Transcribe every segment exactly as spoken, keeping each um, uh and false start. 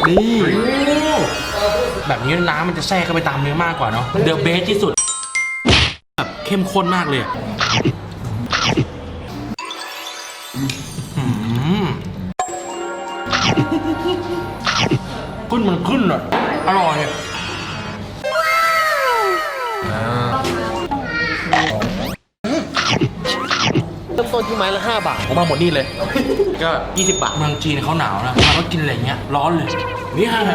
นี่แบบนี้น้ำมันจะแทรกเข้าไปตามเนื้อมากกว่าเนาะเดอะเบสที่สุดแบบเข้มข้นมากเลยขึ้นมันขึ้นอ่ะอร่อยเริ่มต้นที่ไม้ละห้าบาทผมมาหมดนี่เลยก็ยี่สิบบาทเมืองจีนเขาหนาวนะมาก็กินอะไรเงี้ยร้อนเลยนี่ฮะ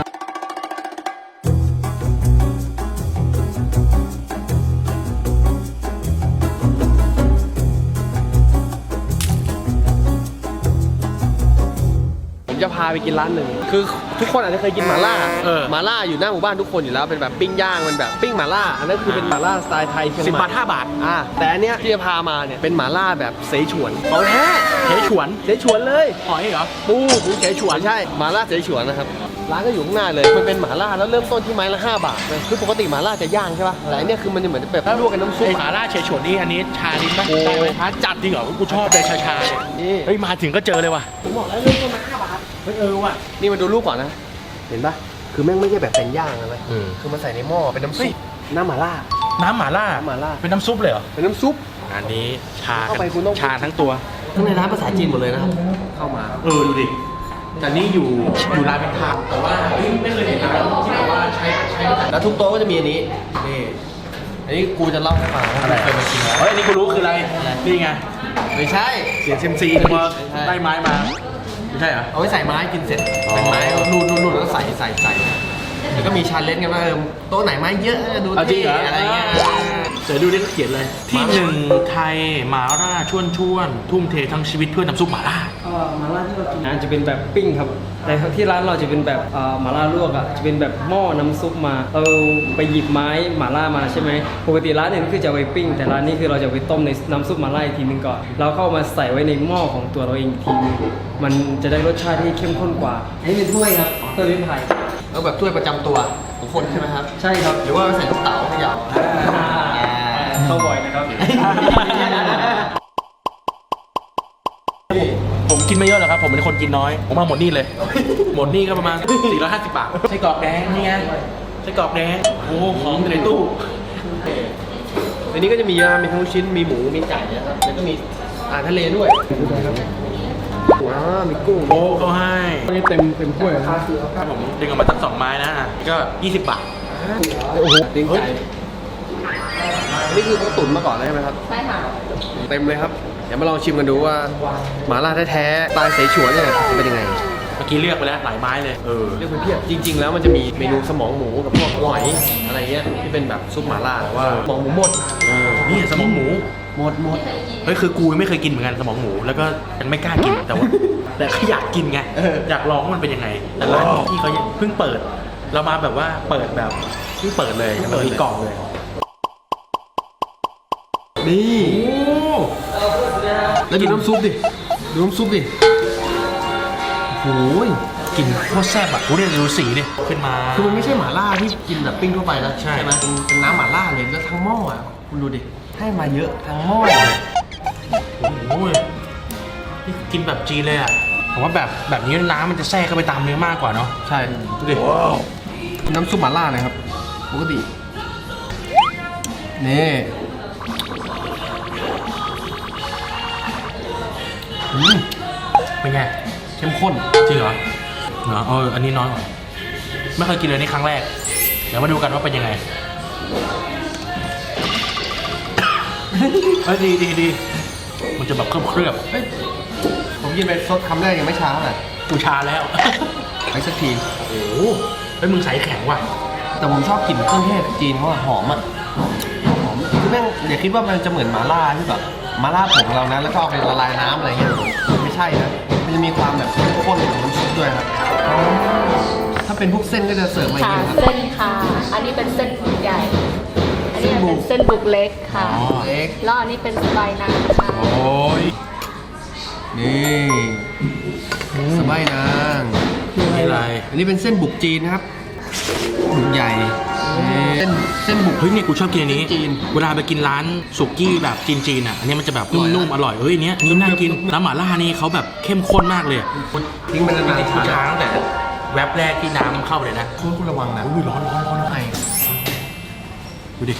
ผมจะพาไปกินร้านหนึ่งคือทุกคนอาจจะเคยกินหม่าล่าเออหม่าล่าอยู่หน้าหมู่บ้านทุกคนอยู่แล้วเป็นแบบปิ้งย่างมันแบบปิ้งหม่าล่าอันนั้นคือเป็นหม่าล่าสไตล์ไทยเชียงใหม่สิบบาทห้าบาทอ่าแต่อันเนี้ยที่จะพามาเนี่ยเป็นหม่าล่าแบบเสฉวนของแท้เฉยฉวนเสฉวนเลยหอยเหรอปูปูเสฉวนใช่หม่าล่าเสฉวนนะครับร้านก็อยู่ข้างหน้าเลยมันเป็นหม่าล่าแล้วเริ่มต้นที่ไม้ละห้าบาทนะคือปกติหม่าล่าจะย่างใช่ป่ะแต่อันเนี้ยคือมันจะเหมือนแบบลวกกับน้ำซุปไอ้หมาล่าเฉยฉวนนี่อันนี้ชาลิ้นปะได้ไหมชาจัดจริงเหรอกูชอบเลยชาชาเนี่ยนี่เฮ้ยมาถึงก็เจอเลยว่ะผมบอกแล้วเริ่มต้นมาห้าบาทเฮ้ยเออว่ะนี่มาดูรูปก่อนนะเห็นป่ะคือแม่งไม่ใช่แบบเป็นย่างนะเออคือมันใส่ในหม้อเป็นน้ำซุปน้ำหม่าล่าน้ำหมาล่าน้ำหม่าล่าเป็นน้ำซุปเลยเหรอเป็นน้ำซุปอันนี้ชาเข้าไปคุณต้องชาทั้งตัวข้างในร้านภาษาจีนหมดเลยนะครับเข้ามาเออดูดิแต่นี่อยู่อยู่ร้านเป็นทางแต่ว่าเฮ้ยไม่เคยเห็นร้านที่แบบว่าใช้ใช้แล้วทุกโต๊ะก็จะมีอันนี้นี่อันนี้กูจะเล่าให้ฟังว่าอะไรเคยมากินแล้วเฮ้ยอันนี้กูรู้คืออะไรนี่ไงไม่ใช่เสียงเซมซีมาได้ไม้มาไม่ใช่เหรอเอาไว้ใส่ไม้กินเสร็จอ๋อเป็นไม้รูดรูดรูดแล้วก็ใส่ใส่ใส่แล้วก็มีชาเลนจ์กันว่าเออโต๊ะไหนไม้เยอะดูเอาจริงเท่เหรออะไรเงี้ยเดี๋ยวดูนี่เขาเขียนเลย ที่หนึ่งไทยหมาล่าชวนชวนทุ่มเททั้งชีวิตเพื่อน้ำซุปหมาล่าเอ่อหมาล่าที่เรากินอาจจะเป็นแบบปิ้งครับ แต่ที่ร้านเราจะเป็นแบบเอ่อหมาล่าลวกอ่ะจะเป็นแบบหม้อน้ำซุปมาเราไปหยิบไม้หมาล่ามาใช่ไหมปกติร้านอื่นคือจะเอาไปปิ้ง แต่ร้านนี้คือเราจะไปต้มในน้ำซุปหมาล่าอีกทีนึงก่อนเราเข้ามาใส่ไว้ในหม้อของตัวเราเองอีกทีนึงมันจะได้รสชาติที่เข้มข้นกว่าอันนี้เป็นถ้วยครับถ้วยไม้ไผ่แล้วแบบถ้วยประจำตัวของคนใช่ไหมครับใช่ครับหรือว่าใส่ลูกเต๋าเขย่าเข้าบ่อยนะครับผมกินไม่เยอะหรอกครับ ผมเป็นคนกินน้อย ผมมาหมดนี่เลย หมดนี่ก็ประมาณ สี่ร้อยห้าสิบบาทไส้กรอกแดงนี่ไงไส้กรอกแดงโอ้โหของอยู่ในตู้ในนี้ก็จะมีเยอะมีทั้งลูกชิ้นมีหมูมีไก่นะครับแล้วก็มีอาหารทะเลด้วยว้าวมีกุ้งโอ้เขาให้นี่เต็มเต็มถ้วยครับถ้าผมดึงออกมาตั้งสองไม้นะอ่ะก็ยี่สิบบาทโอ้โหตีนไก่นี่คือเขาตุ๋นมาก่อนเลยใช่ไหมครับใช่ค่ะเต็มเลยครับ เดี๋ยวมาลองชิมกันดูว่าหม่าล่าแท้ๆสไตล์เสฉวนเนี่ยจะเป็นยังไงเมื่อกี้เลือกไปแล้วหลายไม้เลย เออเรียกเป็นเพียบจริง ๆ แล้วมันจะมีเมนูสมองหมูกับพวกหอยอะไรเงี้ยที่เป็นแบบซุปหม่าล่าแต่ว่าสมองหมูหมดเออ นี่สมองหมูหมดหมดเฮ้ยคือกูยังไม่เคยกินเหมือนกันสมองหมู แล้วก็ยังไม่กล้ากิน แต่ว่า แต่ก็อยากกินไง อยากลองว่ามันเป็นยังไง แต่ร้านที่เขาเพิ่งเปิด เรามาแบบว่าเปิดแบบเพิ่งเปิดเลยมันมีกล่องเลยนี่แล้วดูน้ำซุปดิดูน้ำซุปดิโอ้ยกลิ่นโคตรแซ่บอ่ะกูเนี่ยดูสีดิขึ้นมาคือมันไม่ใช่หม่าล่าที่กินแบบปิ้งทั่วไปนะใช่ไหมเป็นเป็นน้ำหม่าล่าเลยแล้วทั้งหม้ออ่ะคุณดูดิให้มาเยอะทั้งหม้อเลยโอ้โหนี่กินแบบจีนเลยอ่ะผมว่าแบบแบบนี้น้ำมันจะแทรกเข้าไปตามเนื้อมากกว่าเนาะใช่ดูดิน้ำซุปหม่าล่านะครับปกตินี่อืมเป็นไงเข้มข้นจริงเหรอเหรอเอออันนี้น้อยกว่าไม่เคยกินเลยนี่ครั้งแรก เดี๋ยวมาดูกันว่าเป็นยังไงเอ้ยดีดีดีมันจะแบบเคลือบเคลือบเฮ้ยผมกินไปซดคำแรกยังไม่ช้าเท่าไหร่กูชาแล้วไปสักทีโอ้โหเฮ้ยมึงใส่แข็งว่ะแต่ผมชอบกลิ่นเครื่องเทศจีนเขาอะหอมอะหอมคือแม่งอย่าคิดว่ามันจะเหมือนหม่าล่าที่แบบหม่าล่าผงเรานะแล้วก็เอาไปละลายน้ำอะไรเงี้ยไม่ใช่นะมันจะมีความแบบเข้มข้นของน้ำซุปด้วยครับถ้าเป็นพวกเส้นก็จะเสิร์ฟมาอย่างค่ะนี้ครับเส้นค่ะ อันนี้เป็นเส้นบุกใหญ่ อันนี้เป็นเส้นบุกเล็กค่ะเล็กแล้วอันนี้เป็นสไปายนางค่ะโอ้ยนี่สบายนางนี่อะไรอันนี้เป็นเส้นบุกจีนนะครับบุกใหญ่นี่เส้นเส้นบุกเฮ้ยนี่กูชอบกินอันนี้จีนเวลาไปกินร้านสุกี้แบบจีนๆอ่ะอันนี้มันจะแบบอร่อยนะนุ่มๆอร่อยเฮ้ยอันเนี้ยนี่น่ากินน้ำหม่าล่านี่เขาแบบเข้มข้นมากเลยอะทิ้งไปนานๆกูชาตั้งแต่แวบแรกที่น้ำเข้าไปเลยนะคุณคุณระวังนะอุ้ยร้อนร้อนร้อนไอดูดิ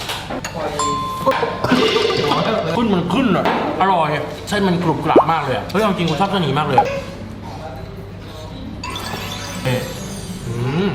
ขึ้นมันขึ้นอ่ะอร่อยเส้นมันกรุบกรับมากเลยอะเฮ้ยเอาจริงผมชอบเส้นนี้มากเลยอะเอ๊ะอืม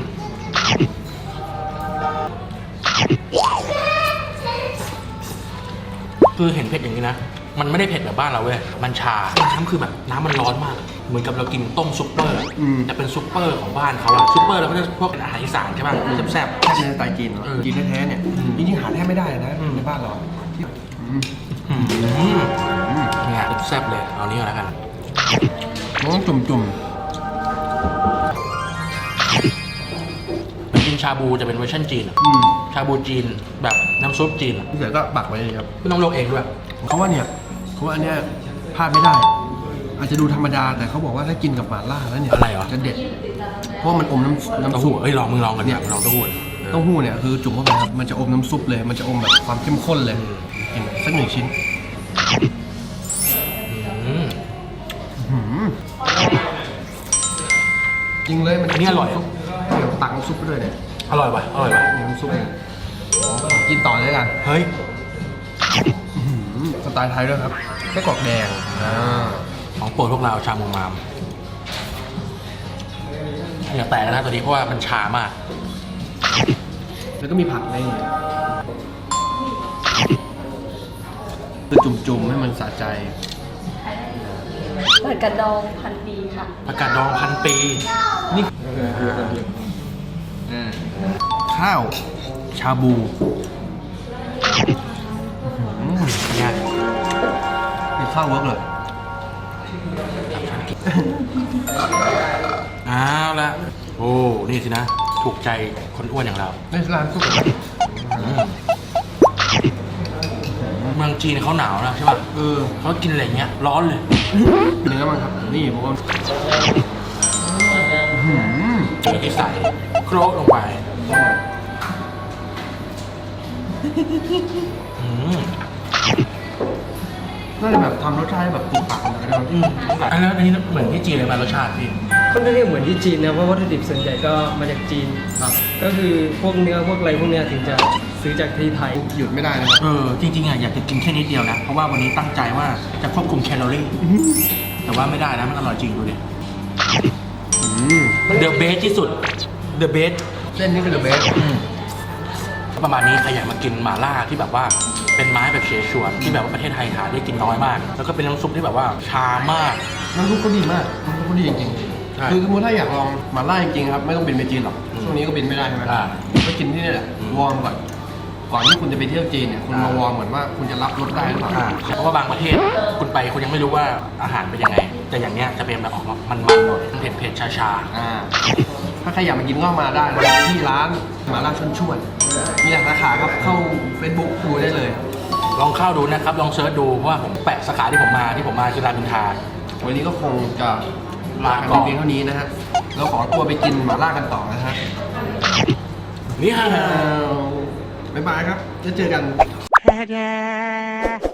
คือเห็นเผ็ดอย่างนี้นะ มันไม่ได้เผ็ดแบบบ้านเราเว้ย มันชา น้ำคือแบบน้ำมันร้อนมาก เหมือนกับเรากินต้มซุปเปอร์อะแต่เป็นซุปเปอร์ของบ้านเขาอะซุปเปอร์เราก็จะพวกอาหารอีสานใช่ป่ะแซ่บแซ่บในสไตล์จีนเนาะเออจีนแท้ๆเนี่ยอืมจริงๆหาแทบไม่ได้เลยนะอืมในบ้านเราที่อืมๆอืมเนี่ยแซ่บเลย เอานี้ก่อนแล้วกันมันต้องจุ่มเหมือนกินชาบูจะเป็นเวอร์ชันจีนอะๆอืมชาบูจีนแบบน้ำซุปจีนอะพี่เสือก็บักไว้เลยครับไม่ต้องลงเองด้วยเขาว่าเนี่ยเขาว่าอันเนี้ยพลาดไม่ได้ อาจจะดูธรรมดาแต่เขาบอกว่าถ้ากินกับหม่าล่าแล้วเนี่ยอะไรเหรอจะเด็ด เพราะว่ามันอมน้ำเต้าน้ำซุหู้ปเอ้ยลองมึงลองกันเนี่ยลองเต้าหู้เต้าหู้เนี่ยคือจุ่มเข้าไปครับมันจะอมน้ำซุปเลย มันจะอมแบบความเข้มข้นเลยกินสักหนึ่งชิ้นอืมอื้อหือจริงเลยมันอันนี้อร่อยซุปเดี๋ยวตักน้ำซุปไปด้วยเนี่ยอร่อยป่ะอร่อยป่ะนี่น้ำซุปเนี่ยอ๋อขอกินต่อเลยกันเฮ้ยอื้อหือสไตล์ไทยด้วยครับไส้กรอกแดงอ่าของโปรดพวกเราชามูมามอย่าแตกนะตัวนี้เพราะว่ามันชามากแล้วก็มีผักในนี้คือจุ่มๆให้มันสะใจผัดกระดองพันปีค่ะผักกาดดองพันปีนี่ข้าว ชาบูอื้อหือเนี่ยเป็นข้าวเวิร์กเลยเอาละโอ้ นี่สินะ ถูกใจคนอ้วนอย่างเราในร้านซุปเมืองจีนเขาหนาวนะใช่ป่ะเออเขากินอะไรอย่างเงี้ย ร้อนเลยเนื้อมันครับ นี่ผมว่าอื้อหือเจอที่ใส่โครกลงไปอืมน่าจะแบบทำรสชาติให้แบบถูกปากกันนะครับอืมอันนั้นอันนี้เหมือนที่จีนเลยมารสชาติพี่ค่อนข้างที่เหมือนที่จีนนะเพราะวัตถุดิบส่วนใหญ่ก็มาจากจีนครับก็คือพวกเนื้อพวกอะไรพวกเนี้ยถึงจะซื้อจากที่ไทยหยุดไม่ได้นะครับเออ จริงๆอ่ะอยากจะกินแค่นิดเดียวนะ เพราะว่าวันนี้ตั้งใจว่าจะควบคุมแคลอรี่ แต่ว่าไม่ได้นะ มันอร่อยจริงดูดิอืม The best ที่สุด The best เส้นนี้เป็นเดอะเบสอืมประมาณนี้ใครอยากมากินหม่าล่าที่แบบว่าเป็นไม้แบบเฉฉวนที่แบบว่าประเทศไทยหาได้กินน้อยมาก แล้วก็เป็นน้ำซุปที่แบบว่าชามากน้ำซุปก็ดีมากน้ำซุปก็ดีจริงใช่ๆคือสมมติถ้าอยากลองหมาล่าจริงๆครับไม่ต้องบินไปจีนหรอกอืมช่วงนี้ก็บินไม่ได้ใช่ไหมอ่าก็กินที่นี่แหละอืมวอร์มก่อนก่อนที่คุณจะไปเที่ยวจีนเนี่ยคุณมาวอร์มเหมือนว่าคุณจะรับรสได้หรือเปล่าอ่าเพราะว่าบางประเทศคุณไปคุณยังไม่รู้ว่าอาหารเป็นยังไง แต่อย่างเนี้ยจะเป็นแบบออกมามันๆหน่อยเผ็ดเผ็ดๆชาอ่าถ้าใครอยากมากินก็มาได้นะครับที่ร้านหมาล่าชวนชวนมีหลายสาขาครับเข้า Facebook ดูได้เลยๆลองเข้าดูนะครับ ลองเซิร์ชดูเพราะว่าผมแปะสาขาที่ผมมาที่ผมมาคือรามอินทราวันนี้ก็คงจะลากันไปเพียงเท่านี้นะฮะเราขอตัวไปกินหมาล่ากันต่อนะฮะนี่ฮะบ๊ายบายครับจะเจอกัน